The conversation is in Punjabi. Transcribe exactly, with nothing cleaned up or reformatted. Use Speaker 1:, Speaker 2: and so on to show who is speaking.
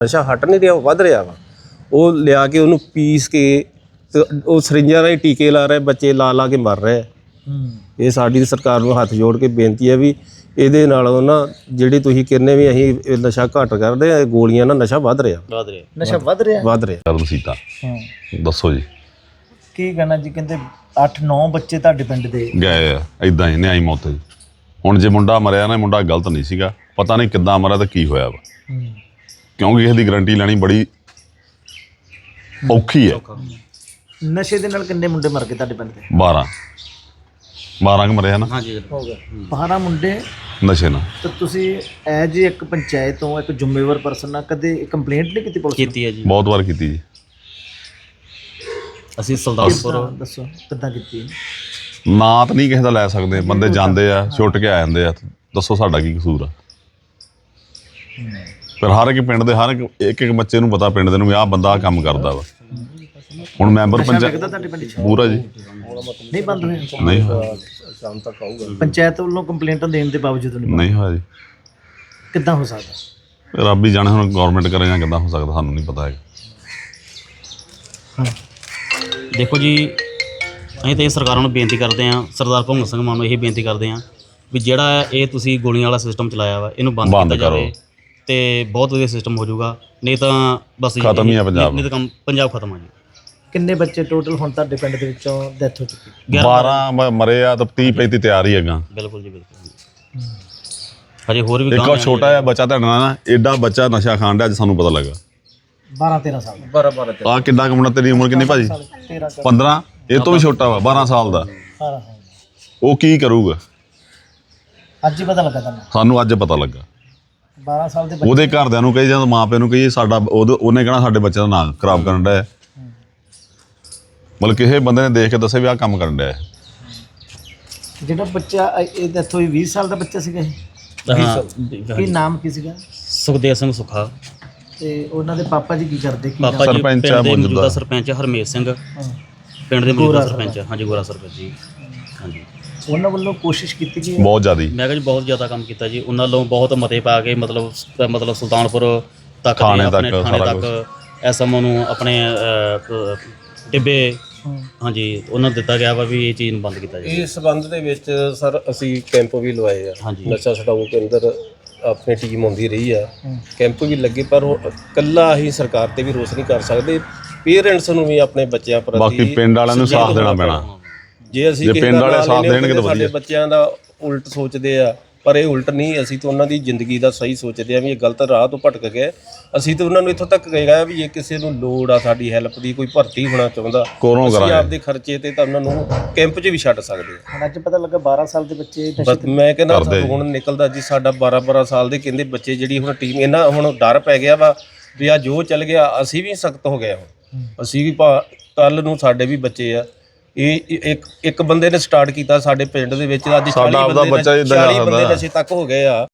Speaker 1: ਨਸ਼ਾ ਹਟ ਨਹੀਂ ਰਿਹਾ, ਵੱਧ ਰਿਹਾ ਵਾ। ਉਹ ਲਿਆ ਕੇ ਉਹਨੂੰ ਪੀਸ ਕੇ ਤੇ ਉਹ ਸਰਿੰਜਾਂ ਰਾਹੀਂ ਟੀਕੇ ਲਾ ਰਹੇ, ਬੱਚੇ ਲਾ ਲਾ ਕੇ ਮਰ ਰਹੇ। ਇਹ ਸਾਡੀ ਸਰਕਾਰ ਨੂੰ ਹੱਥ ਜੋੜ ਕੇ ਬੇਨਤੀ ਹੈ ਵੀ ਇਹਦੇ ਨਾਲੋਂ ਨਾ ਜਿਹੜੀ ਤੁਸੀਂ ਕਹਿੰਦੇ ਵੀ ਅਸੀਂ ਨਸ਼ਾ ਘੱਟ ਕਰਦੇ ਆ, ਗੋਲੀਆਂ ਨਾਲ ਨਸ਼ਾ ਵੱਧ ਰਿਹਾ
Speaker 2: ਵੱਧ ਰਿਹਾ ਨਸ਼ਾ ਵੱਧ ਰਿਹਾ
Speaker 1: ਵੱਧ ਰਿਹਾ
Speaker 3: ਕਦਮ ਸੀਤਾ ਦੱਸੋ ਜੀ
Speaker 2: ਕੀ ਕਹਿਣਾ ਜੀ? ਕਹਿੰਦੇ ਅੱਠ ਨੌ ਬੱਚੇ ਤੁਹਾਡੇ ਪਿੰਡ ਦੇ
Speaker 3: ਗਏ ਆ ਇਦਾਂ ਹੀ ਨਿਆਈ ਮੌਤ ਜੀ। ਹੁਣ ਜੇ ਮੁੰਡਾ ਮਰਿਆ ਨਾ, ਮੁੰਡਾ ਗਲਤ ਨਹੀਂ ਸੀਗਾ, ਪਤਾ ਨਹੀਂ ਕਿੱਦਾਂ ਮਰਿਆ ਤੇ ਕੀ ਹੋਇਆ ਵਾ, ਕਿਉਂਕਿ ਇਹਦੀ ਗਰੰਟੀ ਲੈਣੀ ਬੜੀ ਔਖੀ ਹੈ।
Speaker 2: ਨਸ਼ੇ ਦੇ ਨਾਲ ਕਿੰਨੇ ਮੁੰਡੇ ਮਰ ਗਏ ਤੁਹਾਡੇ ਪਿੰਡ ਦੇ?
Speaker 3: ਬਾਰਾਂ ਬਾਰਾਂ ਕੁ ਮਰਿਆ ਨਾ
Speaker 2: ਹੋ ਗਿਆ ਬਾਰਾਂ ਮੁੰਡੇ
Speaker 3: ਨਸ਼ੇ ਨਾਲ।
Speaker 2: ਤਾਂ ਤੁਸੀਂ ਐਜ ਇੱਕ ਪੰਚਾਇਤ ਤੋਂ ਇੱਕ ਜ਼ਿੰਮੇਵਾਰ ਪਰਸਨ ਨਾਲ ਕਦੇ ਕੰਪਲੇਂਟ ਨਹੀਂ ਕੀਤੀ ਪੁਲਿਸ ਨੂੰ?
Speaker 4: ਕੀਤੀ ਹੈ ਜੀ,
Speaker 3: ਬਹੁਤ ਵਾਰ ਕੀਤੀ ਜੀ।
Speaker 4: ਅਸੀਂ ਸੁਲਤਾਨਪੁਰ
Speaker 2: ਦੱਸੋ ਕਿੱਦਾਂ ਕੀਤੀ?
Speaker 3: ਨਾਂ ਤਾਂ ਨਹੀਂ ਕਿਸੇ ਦਾ ਲੈ ਸਕਦੇ, ਬੰਦੇ ਜਾਂਦੇ ਆ ਛੁੱਟ ਕੇ ਆ ਜਾਂਦੇ ਆ, ਦੱਸੋ ਸਾਡਾ ਕੀ ਕਸੂਰ ਆ? ਪਰ ਹਰ ਇੱਕ ਪਿੰਡ ਦੇ ਹਰ ਇੱਕ ਇੱਕ ਇੱਕ ਬੱਚੇ ਨੂੰ ਪਤਾ, ਪਿੰਡ ਦੇ ਨੂੰ ਵੀ ਆਹ ਬੰਦਾ ਆਹ ਕੰਮ ਕਰਦਾ ਵਾ। ਹੁਣ ਮੈਂਬਰ ਪੰਚਾਇਤ
Speaker 2: ਤੁਹਾਡੇ ਪਿੰਡ 'ਚ
Speaker 3: ਪੂਰਾ ਜੀ
Speaker 2: ਨਹੀਂ ਬੰਦ ਹੋਏ?
Speaker 3: ਨਹੀਂ ਹੋਇਆ,
Speaker 2: ਪੰਚਾਇਤ ਵੱਲੋਂ ਕੰਪਲੇਂਟਾਂ ਦੇਣ ਦੇ ਬਾਵਜੂਦ ਨਹੀਂ
Speaker 3: ਨਹੀਂ ਹੋਇਆ ਜੀ।
Speaker 2: ਕਿੱਦਾਂ ਹੋ ਸਕਦਾ?
Speaker 3: ਰੱਬ ਹੀ ਜਾਣੇ ਹੁਣ ਗਵਰਨਮੈਂਟ ਕਰੇ ਜਾਂ ਕਿੱਦਾਂ ਹੋ ਸਕਦਾ, ਸਾਨੂੰ ਨਹੀਂ ਪਤਾ ਹੈਗਾ।
Speaker 4: ਦੇਖੋ ਜੀ, ਅਸੀਂ ਤਾਂ ਇਹ ਸਰਕਾਰਾਂ ਨੂੰ ਬੇਨਤੀ ਕਰਦੇ ਹਾਂ, ਸਰਦਾਰ ਭਗਵੰਤ ਸਿੰਘ ਮਾਨ ਨੂੰ ਇਹ ਬੇਨਤੀ ਕਰਦੇ ਹਾਂ ਵੀ ਜਿਹੜਾ ਇਹ ਤੁਸੀਂ ਗੋਲੀਆਂ ਵਾਲਾ ਸਿਸਟਮ ਚਲਾਇਆ ਵਾ, ਇਹਨੂੰ ਬੰਦ
Speaker 3: ਬੰਦ
Speaker 4: ਕੀਤਾ ਜਾਵੇ ਤੇ ਬਹੁਤ ਵਧੀਆ ਸਿਸਟਮ ਹੋ ਜਾਊਗਾ। ਨਹੀਂ ਤਾਂ ਬਸ
Speaker 3: ਖਤਮ ਹੀ ਆ ਪੰਜਾਬ।
Speaker 4: ਨਹੀਂ ਤਾਂ ਕੰਮ ਪੰਜਾਬ ਖਤਮ ਆ ਜੀ।
Speaker 2: ਕਿੰਨੇ ਬੱਚੇ ਟੋਟਲ ਹੁਣ ਤੁਹਾਡੇ ਪਿੰਡ ਦੇ ਵਿੱਚੋਂ ਡੈਥ ਹੋ ਚੁੱਕੀ?
Speaker 3: ਬਾਰਾਂ ਮ- ਮਰੇ ਆ ਤਾਂ ਤੀਹ ਪੈਂਤੀ ਤਿਆਰ ਹੀ ਹੈਗਾ।
Speaker 4: ਬਿਲਕੁਲ ਜੀ ਬਿਲਕੁਲ। ਹਜੇ ਹੋਰ ਵੀ
Speaker 3: ਇੱਕ ਉਹ ਛੋਟਾ ਜਿਹਾ ਬੱਚਾ ਤੁਹਾਡਾ ਨਾ, ਐਡਾ ਬੱਚਾ ਨਸ਼ਾ ਖਾਣ ਡਿਆ, ਅੱਜ ਸਾਨੂੰ ਪਤਾ ਲੱਗਾ।
Speaker 2: ਬਾਰਾਂ ਤੇਰਾਂ ਸਾਲ ਦਾ?
Speaker 1: ਬਾਰਾਂ ਬਾਰਾਂ
Speaker 3: ਆ ਕਿੰਨਾ ਕੁ ਮੁੰਡਾ, ਤੇਰੀ ਉਮਰ ਕਿੰਨੀ ਭਾਜੀ?
Speaker 2: ਤੇਰਾਂ
Speaker 3: ਪੰਦਰਾਂ। ਇਹ ਤੋਂ ਵੀ ਛੋਟਾ ਵਾ, ਬਾਰਾਂ ਸਾਲ ਦਾ।
Speaker 2: ਸਾਲ ਦਾ।
Speaker 3: ਉਹ ਕੀ ਕਰੂਗਾ?
Speaker 2: ਅੱਜ ਹੀ ਪਤਾ ਲੱਗਾ ਤੁਹਾਨੂੰ?
Speaker 3: ਸਾਨੂੰ ਅੱਜ ਪਤਾ ਲੱਗਾ।
Speaker 2: ਬਾਰਾਂ ਸਾਲ ਦੇ ਬੱਚੇ
Speaker 3: ਉਹਦੇ ਘਰਦਿਆਂ ਨੂੰ ਕਹੀ ਜਾਂ ਮਾਂ ਪਿਓ ਨੂੰ ਕਹੀ ਸਾਡਾ, ਉਹਦੇ- ਉਹਨੇ ਕਹਿਣਾ ਸਾਡੇ ਬੱਚੇ ਦਾ ਨਾਂ ਖਰਾਬ ਕਰਨ ਡਿਆ। ਮਤਲਬ ਕਿਸੇ ਬੰਦੇ ਨੇ ਦੇਖ ਕੇ ਦੱਸਿਆ ਵੀ ਆਹ ਕੰਮ ਕਰਨ ਡਿਆ।
Speaker 2: ਜਿਹੜਾ ਬੱਚਾ ਇਹ ਡੈਥ ਹੋਈ ਵੀਹ ਸਾਲ ਦਾ ਬੱਚਾ ਸੀਗਾ ਇਹ?
Speaker 4: ਹਾਂ,
Speaker 2: ਕੀ ਨਾਮ ਕੀ ਸੀਗਾ?
Speaker 4: ਸੁਖਦੇਵ ਸਿੰਘ ਸੁੱਖਾ।
Speaker 2: ਤੇ ਉਹਨਾਂ ਦੇ ਪਾਪਾ ਜੀ ਕੀ ਕਰਦੇ? ਕੀ
Speaker 4: ਪਾਪਾ ਜੀ
Speaker 3: ਸਰਪੰਚ
Speaker 4: ਪਿੰਡ
Speaker 3: ਆ
Speaker 4: ਦੇ
Speaker 3: ਮੌਜੂਦਾ।
Speaker 4: ਮੌਜੂਦਾ ਸਰਪੰਚ ਹਰਮੇਸ਼ ਸਿੰਘ,
Speaker 2: ਹਾਂ।
Speaker 4: ਪਿੰਡ ਦੇ ਮੌਜੂਦਾ ਸਰਪੰਚ। ਹਾਂਜੀ, ਗੋਰਾ ਸਰਪੰਚ ਜੀ। ਹਾਂਜੀ,
Speaker 2: ਉਹਨਾਂ ਵੱਲੋਂ ਕੋਸ਼ਿਸ਼ ਕੀਤੀ ਗਈ?
Speaker 3: ਬਹੁਤ ਜ਼ਿਆਦੀ।
Speaker 4: ਮੈਂ ਕਿਹਾ ਜੀ ਬਹੁਤ ਜ਼ਿਆਦਾ ਕੰਮ ਕੀਤਾ ਜੀ ਉਹਨਾਂ ਵੱਲੋਂ, ਬਹੁਤ ਮਤੇ ਪਾ ਕੇ ਮਤਲਬ ਮਤਲਬ ਸੁਲਤਾਨਪੁਰ ਤੱਕ ਦੇ,
Speaker 3: ਥਾਣੇ
Speaker 4: ਆਪਣੇ
Speaker 3: ਤੱਕ,
Speaker 4: ਥਾਣੇ
Speaker 3: ਸਾਰਾ
Speaker 4: ਤੱਕ ਐਸ ਐਮ ਓ ਨੂੰ ਆਪਣੇ ਅਹ, ਟਿੱਬੇ, ਹਾਂਜੀ, ਉਹਨਾਂ ਨੂੰ ਦਿੱਤਾ ਗਿਆ ਵਾ ਵੀ ਇਹ ਚੀਜ਼ ਨੂੰ ਬੰਦ ਕੀਤਾ ਜਾਵੇ।
Speaker 1: ਇਸ ਸੰਬੰਧ ਦੇ ਵਿੱਚ ਸਰ ਅਸੀਂ ਕੈਂਪ ਵੀ ਲਵਾਏ ਆ।
Speaker 4: ਹਾਂਜੀ।
Speaker 1: ਨਸ਼ਾ ਛਡਾਊ ਕੇਂਦਰ ਆਪਣੀ ਟੀਮ ਆਉਂਦੀ ਰਹੀ ਆ, ਕੈਂਪ ਵੀ ਲੱਗੇ, ਪਰ ਉਹ ਇਕੱਲਾ ਹੀ ਸਰਕਾਰ ਤੇ ਵੀ ਰੋਸ ਨਹੀਂ ਕਰ ਸਕਦੇ। ਪੇਰੈਂਟਸ ਨੂੰ ਵੀ ਆਪਣੇ ਬੱਚਿਆਂ ਪ੍ਰਤੀ
Speaker 3: ਬਾਕੀ ਪਿੰਡ ਵਾਲਿਆਂ ਨੂੰ ਸਾਥ ਦੇਣਾ ਪੈਣਾ।
Speaker 1: ਜੇ ਅਸੀਂ
Speaker 3: ਜੇ
Speaker 1: ਕਿਸੇ
Speaker 3: ਪਿੰਡ
Speaker 1: ਦਾ
Speaker 3: ਵਾਲੇ
Speaker 1: ਨਾਂ
Speaker 3: ਸਾਥ
Speaker 1: ਲੈਂਦੇ
Speaker 3: ਦੇਣਗੇ ਤਾਂ
Speaker 1: ਸਾਡੇ
Speaker 3: ਵਧੀਆ।
Speaker 1: ਬੱਚਿਆਂ ਦਾ ਉਲਟ ਸੋਚਦੇ ਆ, ਪਰ ਇਹ ਉਲਟ ਨਹੀਂ। ਅਸੀਂ ਤਾਂ ਉਹਨਾਂ ਦੀ ਜ਼ਿੰਦਗੀ ਦਾ ਸਹੀ ਸੋਚਦੇ ਆ ਵੀ ਇਹ ਗਲਤ ਰਾਹ ਤੋਂ ਭਟਕ ਗਏ। ਅਸੀਂ ਤਾਂ ਉਹਨਾਂ ਨੂੰ ਇੱਥੋਂ ਤੱਕ ਕਹੇਗਾ ਵੀ ਜੇ ਕਿਸੇ ਨੂੰ ਲੋੜ ਆ ਸਾਡੀ ਹੈਲਪ ਦੀ, ਕੋਈ ਭਰਤੀ ਹੋਣਾ ਚਾਹੁੰਦਾ,
Speaker 3: ਕੋਲੋਂ
Speaker 1: ਅਸੀਂ
Speaker 3: ਕਰਾਂਗੇ।
Speaker 1: ਆਪਦੇ ਖਰਚੇ ਤੇ ਤਾਂ ਉਹਨਾਂ ਨੂੰ ਕੈਂਪ 'ਚ ਵੀ ਛੱਡ ਸਕਦੇ ਆ।
Speaker 2: ਹੁਣ ਅੱਜ ਪਤਾ ਲੱਗਾ ਬਾਰਾਂ ਸਾਲ ਦੇ ਬੱਚੇ ਨਸ਼ੇ
Speaker 1: ਬਸ ਮੈਂ ਕਹਿੰਦਾ
Speaker 3: ਕਰਦੇ
Speaker 1: ਹੁਣ ਨਿਕਲਦਾ ਜੀ ਸਾਡਾ ਬਾਰਾਂ ਬਾਰਾਂ ਸਾਲ ਦੇ ਕਹਿੰਦੇ ਬੱਚੇ, ਜਿਹੜੀ ਹੁਣ ਟੀਮ ਇਹਨਾਂ ਹੁਣ ਡਰ ਪੈ ਗਿਆ ਵਾ ਵੀ ਆ ਜੋ ਚੱਲ ਗਿਆ। ਅਸੀਂ ਵੀ ਸਖਤ ਹੋ ਗਏ ਹੁਣ, ਅਸੀਂ ਵੀ ਕੱਲ ਨੂੰ ਸਾਡੇ ਵੀ ਬੱਚੇ ਆ। ਇਹ ਇੱਕ ਇੱਕ ਬੰਦੇ ਨੇ ਸਟਾਰਟ ਕੀਤਾ ਸਾਡੇ ਪਿੰਡ ਦੇ ਵਿੱਚ, ਅੱਜ
Speaker 3: ਸਾਡਾ
Speaker 1: ਚਾਲੀ
Speaker 3: ਆਪਦਾ
Speaker 1: ਬੰਦੇ
Speaker 3: ਬੱਚਾ ਇੱਦਾਂ
Speaker 1: ਚਾਲੀ
Speaker 3: ਕਰਦਾ।
Speaker 1: ਬੰਦੇ ਨਸ਼ੇ ਤੱਕ ਹੋ ਗਏ ਆ।